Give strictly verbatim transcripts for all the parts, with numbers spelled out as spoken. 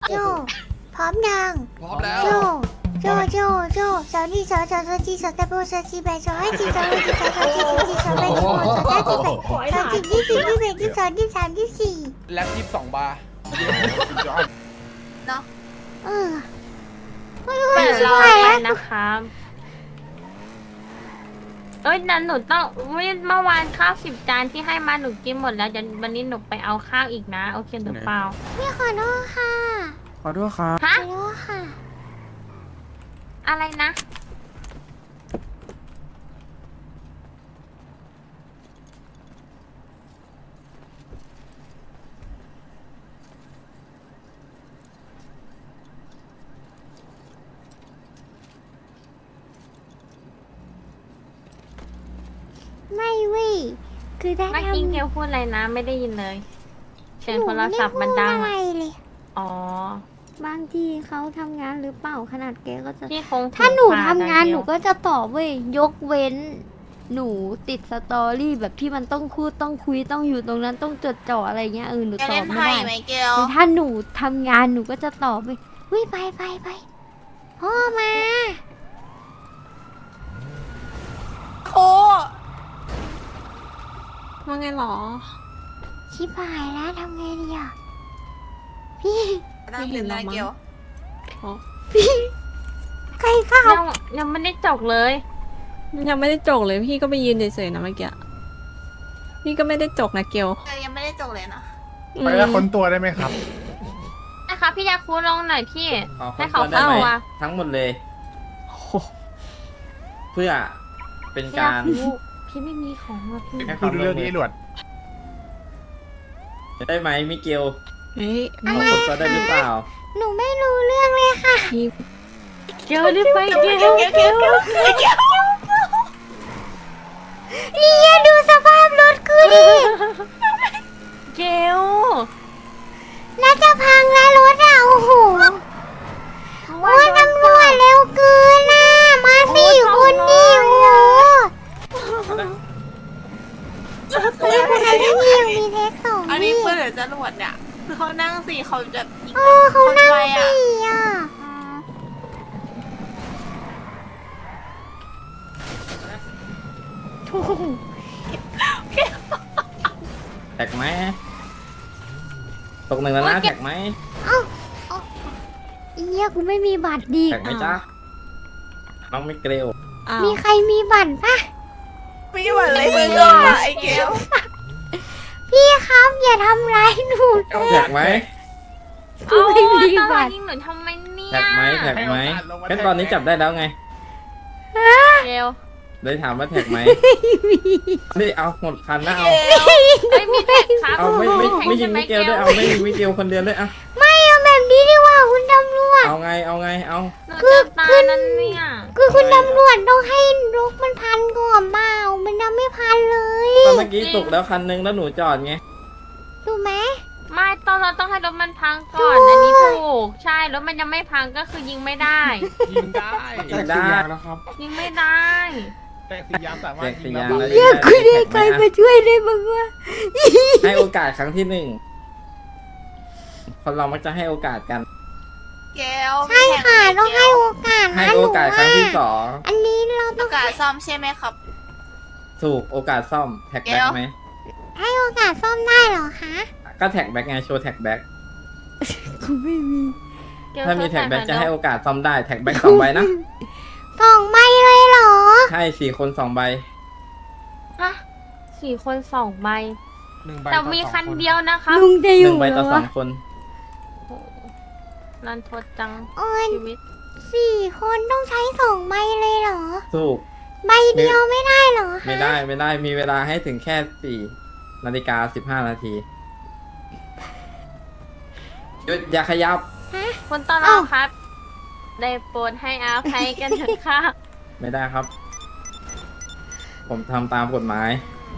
โจพร้อมยังพร้อมแล้วโจโจโจโจสาวนี่สาวสาวสาวจีสาวตะโบสาวจีแบสาวให้จีสาวให้จีสาวสาวจีสาวจีสาวแบสาวสาวจีแบสาวจีที่สี่ที่แบที่สองที่สามที่สี่แล็บยี่สิบสองบาร์เนาะเออเปิดรอเลยนะครับเอ้ยนั่นหนูต้องเมื่อวานข้าวสิบจานที่ให้มาหนูกินหมดแล้วเดี๋ยววันนี้หนูไปเอาข้าวอีกนะโอเคหรือเปล่าพี่ขอโทษค่ะขอโทษครับฮะขอโทษค่ะอะไรนะไม่เว้ยคือได้เมื่อทำกี้เกลพูดอะไรนะ ไม่ได้ยินเลยเสียงหนูโทรไม่ได้ศัพท์พูมันดดังอะไรอะเลยอ๋อบางทีเขาทำงานหรือเปล่าขนาดแกก็จะพี่คงถ้าหนูผิดพลทำดะงานเกลหนูก็จะตอบเว้ยยกเว้น หนูติดสตอรี่แบบที่มันต้องพูดต้องคุยต้องอยู่ตรงนั้นต้องจดจ่ออะไรเงี้ยเออหนูจะตอเล่บนไม่ไพ่ได้ไหมเกลแต่ถ้าหนูทำงานหนูก็จะตอบไปเฮ้ยไปไปไปพ่อมาโอ้ว่าไงหรอชิบหายแล้วทำไงดีอ่ะพี่นั่งดื่มนะเกลใครเข้ายังยังไม่ได้จบเลยยังไม่ได้จกเลยพี่ก็ไปยืนเฉยๆนะเมื่อกี้ พี่ก็ไม่ได้จกนะเกลเกลยังไม่ได้จบเลยนะไปแล้วค้นตัวได้ไหมครับนะคะพี่ยาคูลงหน่อยพี่ขอให้ขอเขาโทษได้เข้าไหมตัวทั้งหมดเลย เพื่อเป็นพี่ยาการคูพี่ไม่มีของอ่ะพี่ให้พูดเรื่องนี้หลวดได้ไหมมิเกลเฮ้ยขอคนตัวได้หรือเปล่าหนูไม่รู้เรื่องเลยค่ะพี่เกลรีบไปเกลเกลเกลเนี่ยดูสภาพรถกูดิเกลน่าจะพังแล้วรถอ่ะโอ้โหโอ้ยตำรวจเร็วเกินน่ะมาสี่คนนี่โอ้โหนี่คนนั้นที่มีมีเทคสองอันนี้นี่เพื่อนหรือจรวดเนี่ยคือเขานั่งสี่เขาแบบยิงเออเขานั่งไวอ่ะสี่อ่ะอืมแท็กไหมตกหนึ่งแล้วนะแท็กไหมเอ้าเอ้าเอี้ยกูไม่มีบัตรดีแท็กไหมจ๊ะน้องมิเกลอ้าวมีใครมีบัตรปะไม่ไหวเลยมึงอ่ะไอ้เกลพี่ครับอย่าทำร้ายหนูแท็กไหมกูไม่มีเอาบัตาตรยิงหนูทำไมเนี่ยแท็กไหมแท็กไหมแค่ตอนนี้จับได้แล้วไงเกลเลยถามว่าแท็กไหมนี่เอาหมดคันนะเอาไม่มีแท็กครับเอาไม่ไม่ไม่ยิงใช่หมิเกลด้วยเอาไม่ยิงมิเกลคนเดียวด้วยเอาไม่เอาแบบนี้ดีกว่าคุณตำรวจเอาไงเอาไงเอาหนูจะตายนั่นเนี่ยคือคุณตำรวจต้องให้รถมันพันก่อนเปล่ามันยังไม่พันเลยตอนเมื่อกี้ตกแล้วคันนึงแล้วหนูจอดไงถูกไหมไม่ตอนเราต้องให้รถมันพังก่อนอันนี้ถูกใช่รถมันยังไม่พังก็คือยิงไม่ได้ยิงได้ยิงได้แล้วครับยิงไม่ได้แตกสียางสามารถแตกสียิงยางได้แล้วเรียกคุณเรียกใครมาช่วยได้บ้างวะให้โอกาสครั้งที่หนึ่งคนเรามักจะให้โอกาสกันเกลใช่ค่ะต้องให้โอกาสให้นะหโอนูกาสครั้งที่สองอันนี้เราต้ต้ออง งการซ่อมใช่ไหมครับถูกโอกาสซ่อมแท็กแบ็กไหมให้โอกาสซ่อมได้เหรอคะก็แท็กแบ็กไงโชว์แท็กแบ็กกูไม่มีเกลถ้ามีแท็กแบ็กช่วยจะหน่อยให้โอกาสซ่อมได้แท็กแบ็กสองใบนะสองใบเลยเหรอใช่สี่คนสองใบฮะสี่คนสองใบหนึ่งใบแต่ต่อมีสองคันนเดียวนะคะลุงจะอหยู่นึ่งใบต่อเหรสอองคนโอ้โหรันทดจังโอ้ยชีวิตสี่คนต้องใช้สองใบเลยเหรอถูกใบเดียวไม่ได้เหรอคะไม่ได้ไม่ได้มีเวลาให้ถึงแค่สี่นาฬิกาสิบห้านาทีหยุดอย่าขยับคุณต้อนรับครับ ได้โปรดให้อาภัยกันเถอะค่ะไม่ได้ครับ ผมทำตามกฎหมาย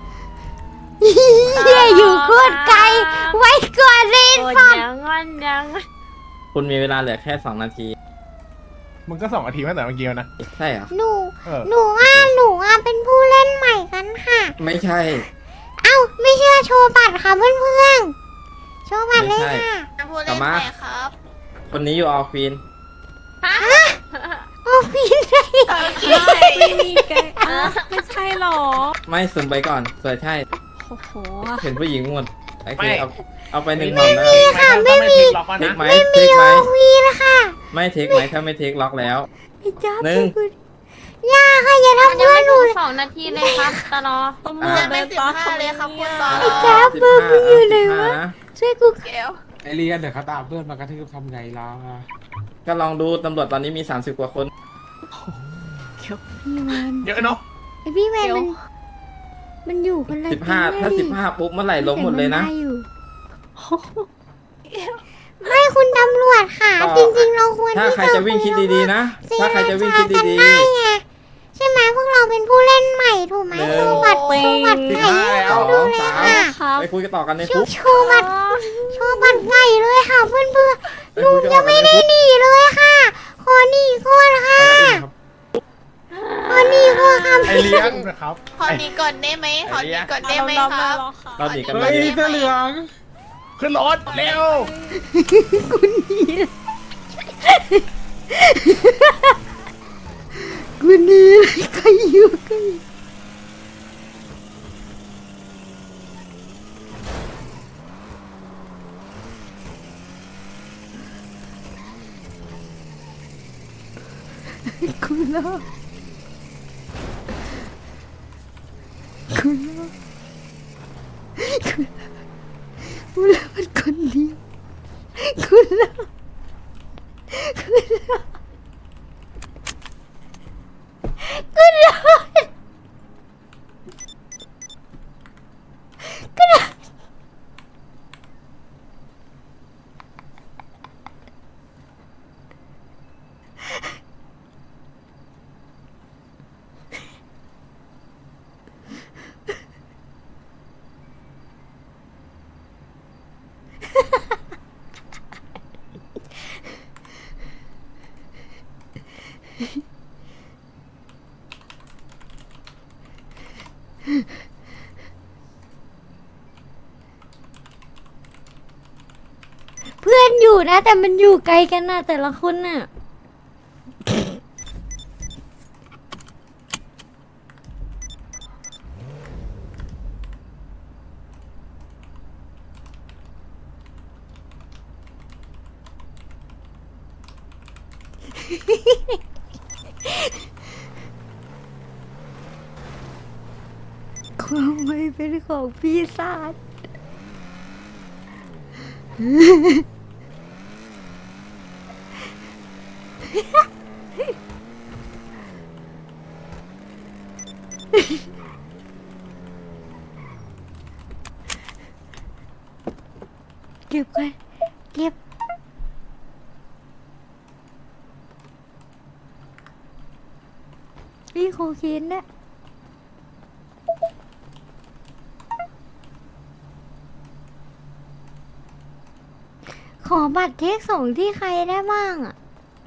เฮียอยู่โคตรไกล ไว้ก่อนเลยโอ้ยฟังยังงอนยังคุณมีเวลาเหลือแค่สองนาทีมึงก็สองนาทีตั้งแต่เมื่อกี้แล้วนะใช่เหรอหนูเออหนูว่าหนูอ่ะเป็นผู้เล่นใหม่กันค่ะไม่ใช่เอ้าไม่เชื่อโชว์บัตรค่ะเพื่อนๆ โชว์บัตรเลยค่ะจะพูดเล่นไหมครับคนนี้อยู่ออฟฟินฮะโอ้พี่ได้ไม่มีแกอ่ะไม่ใช่หรอไม่สุ่มไปก่อนเผื่อใช่โอ้โหเห็นผู้หญิงหมดโอเคไม่เอาเอาไปหนึ่งหมื่นนะค่ะไม่มีล็อกเทคนะไหมไม่เทมีคไหมโอวีนะคะไม่เทคไหมถ้าไม่เทคล็อกแล้วพี่จ้าหนึ่งคุณย่าค่ะอย่ามันทำยังเพื่อไม่นหถึนูงเลยสองนาทีเลยครับตลอดตำรวจยังเดิไม่นสิบตามห้าเลยครับคุณตาไอ้จ้าเบอร์มึงอยู่ไหนวะสิบห้านะช่วยกูเกลไอเรียนเดี๋ยวเขาตามเพื่อนมากระทืบทำไงล่ะก็ลองดูตำรวจตอนนี้มีสามสิบกว่าคนพี่แมนเยอะเนาะไอพี่แมนมันมันอยู่คนละสิบห้าที่ถ้าดิสิบห้าปุ๊บเมื่อไหร่ล้มหมดเลยนะแต่อยู่ไม่คุณตำรวจค่ะก็จริงๆเราควรถ้าที่ใครจะวิ่งคิดดีๆนะ ถ้าใครจะวิ่งคิดดีๆได้ไงใช่ไหมพวกเราเป็นผู้เล่นใหม่ถูกไหมหนึ่งโชว์บัตรโชว์บัตรสิบไก่ห้าให้แล้วเขาดูเลยสามค่ะครับไปคุยกันต่อกันในโชคุกว์โชว์บัตรโชว์บัตรไก่เลยค่ะเพื่อนเพื่อนไปลุคุงยกันจะต่อกัไม่นในได้คุกหนีเลยค่ะขอหนีก่อนค่ะครับขอหนีก่อนค่ะไอเลี้ยงนะครับขอหนีก่อนได้ไหมขอหนีก่อนได้ไหมครับเราหนีกันขอไปหเฮ้ยเสื้อเหลืองขึ้นรถเร็วคุณหนีเลยคุณหนีเลยใครอยู่กันคุณล่ะคุณล่ะคุณล่ะคุณล่ะมันคนเดียวคุณล่ะคุณล่ะคุณล่ะคุณล่ะเพื่อนอยู่นะแต่มันอยู่ไกลกันนะแต่ละคนน่ะความไม่เป็นของปีศาจเก็บกันเก็บพี่โคเคนนะขอบัตรเทคส่งที่ใครได้บ้างอ่ะ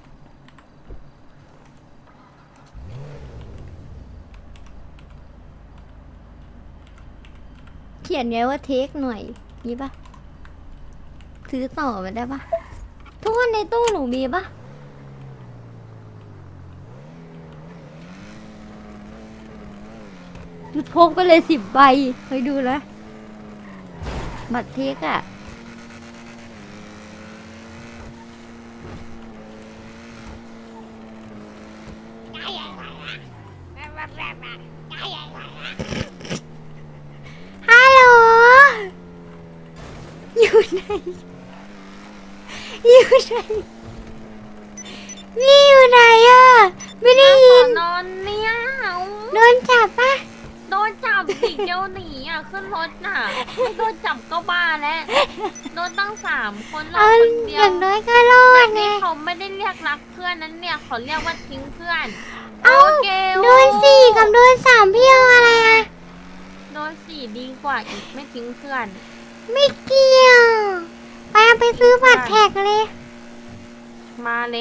เขียนไงว่าเทคหน่อยนี่ปะซื้อต่อมาได้ปะทุกคนในตู้หนูมีปะจุดพกไปเลยสิบใบไปดูนะบัตรเทคอะฮัลโหลอยู่ไหนอยู่ไหนนี่อยู่ไหนอะไม่ได้ยินนอนเนี่ยโดนจับปะโดนจับสิเดียวหนีอ่ะขึ้นรถน่ะไม่โดนจับก็บ้าแล้วโดนตั้งสามคนเราเอาคนเดีอยวย่างน้อยก็รอแบดบไงนี้เขาไม่ได้เรียกรักเพื่อนนั้นเนี่ยเขาเรียกว่าทิ้งเพื่อนเอ้าเกลโดนสี่กับโดนสามพี่เอาอะไรอะโดนสี่ดีกว่าอีกไม่ทิ้งเพื่อนไม่เกี่ยวไปเอาไปซื้อบัตรแท็กเลยมาเลย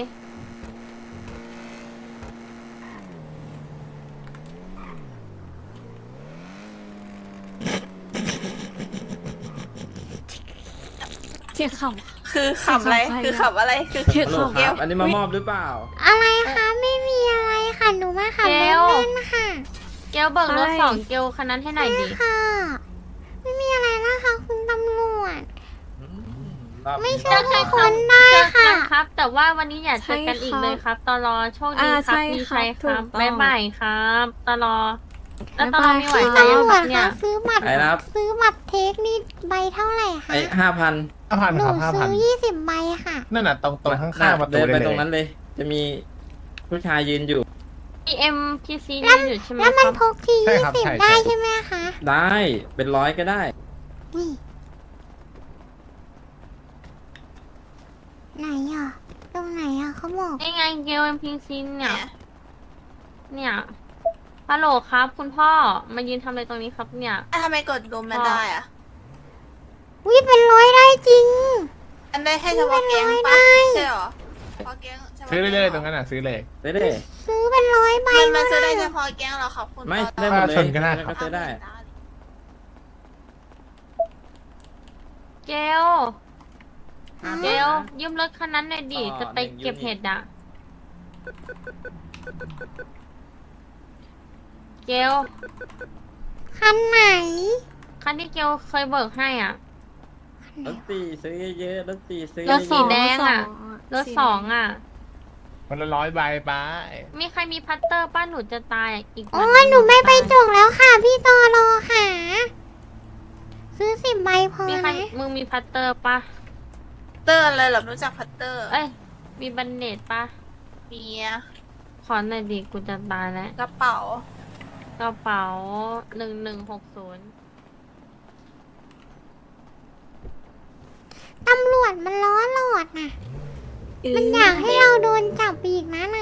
เสียงขำคือขำอะไร คือขำอะไร คือเกลฮัลโหลครับ อันนี้มามอบหรือเปล่าอะไรคะไม่มีอะไรค่ะหนูมาขับรถเล่นค่ะเกลเบิกรถสองเกลคันนั้นให้หน่อยดิค่ะ ไม่มีอะไรนะคะคุณตำรวจรอบไม่นี้ใช่ทุกคนได้เจอค่ะกันครับ แต่ว่าวันนี้อย่าเจอกันอีกเลยครับตลอโชคดีอ่าครับใช่มีครับชัยครับถูกต้องบ๊ายบายครับตลอแล้วตลอบ๊ายบายมีไหวคุณใจยังตำรคว รับจเนี่คะยซื้อบัตรไอ้นะครับซื้อบัตรเทคนี่ใบเท่าไหร่คะไอ้ห้าพันห้าพันหนูครับห้าพัซื้นอยี่สิบใบค่ะนั่นน่ะตรงตรงข้างๆประตูเดินเลไปยตรงนั้นเลย จะมีผู้ชายยืนอยู่มีเอ็มพีซีนี่อยู่ใช่ไหมแล้วคมันรับพกทียี่สิบได้ใช่ไหมคะได้เป็นร้อยก็ได้นี่ไหนอ่ะ ตรงไหนอ่ะเขาบอกนี่ไงเกลเอ็มพีซีเนี่ย เนี่ยฮัลโหลครับ คุณพ่อมายืนทำอะไรตรงนี้ครับเนี่ยอ่ะทำไมกดรวมไม่ได้อ่ะวิเป็นร้อยได้จริงอันได้ให้เฉพาะแก๊งไม่ปะได้ใช่เหรอเฉพาะแก๊งฉพาะซื้อแก๊เรื่อยๆตรงนั้นน่ะซื้อเลยได้ได้ซื้อเป็นร้อยใบมันมันซื้อได้ก็เฉพาะแก๊งเหรอครับคุณไม่ตได้อนหมดเลยชนก็ได้ครับก็ซื้อได้เกลเกลยืมรถคันนั้นหน่อยดิต่อจะไปหนึ่งเก็บยูนิตเห็ดอะเกลคันไหนคันที่เกลเคยเบิกให้อ่ะรถตีซื้อเยอะๆรถตีซื้อรถสีเยอะๆแดงอะ รถสองอ่ะมันละร้อยใบไปมีใครมีพัตเตอร์ป้าหนูจะตายอีกโอ้วัยหนูไม่ไปจกแล้วค่ะ พี่ตอรอค่ะ ซื้อสิบใบพอมีใครนะมึงมีพัตเตอร์ปะเตอร์อะไรเหรอรู้จักพัตเตอร์เอ้ย มีบันเนตปะเมียขอหน่อยดิกูจะตายแล้วกระเป๋ากระเป๋าหนึ่งหนึ่งหกศูนย์ตำรวจมันล้อหลอดน่ะ มันอยากให้เราโดนจับอีกนะ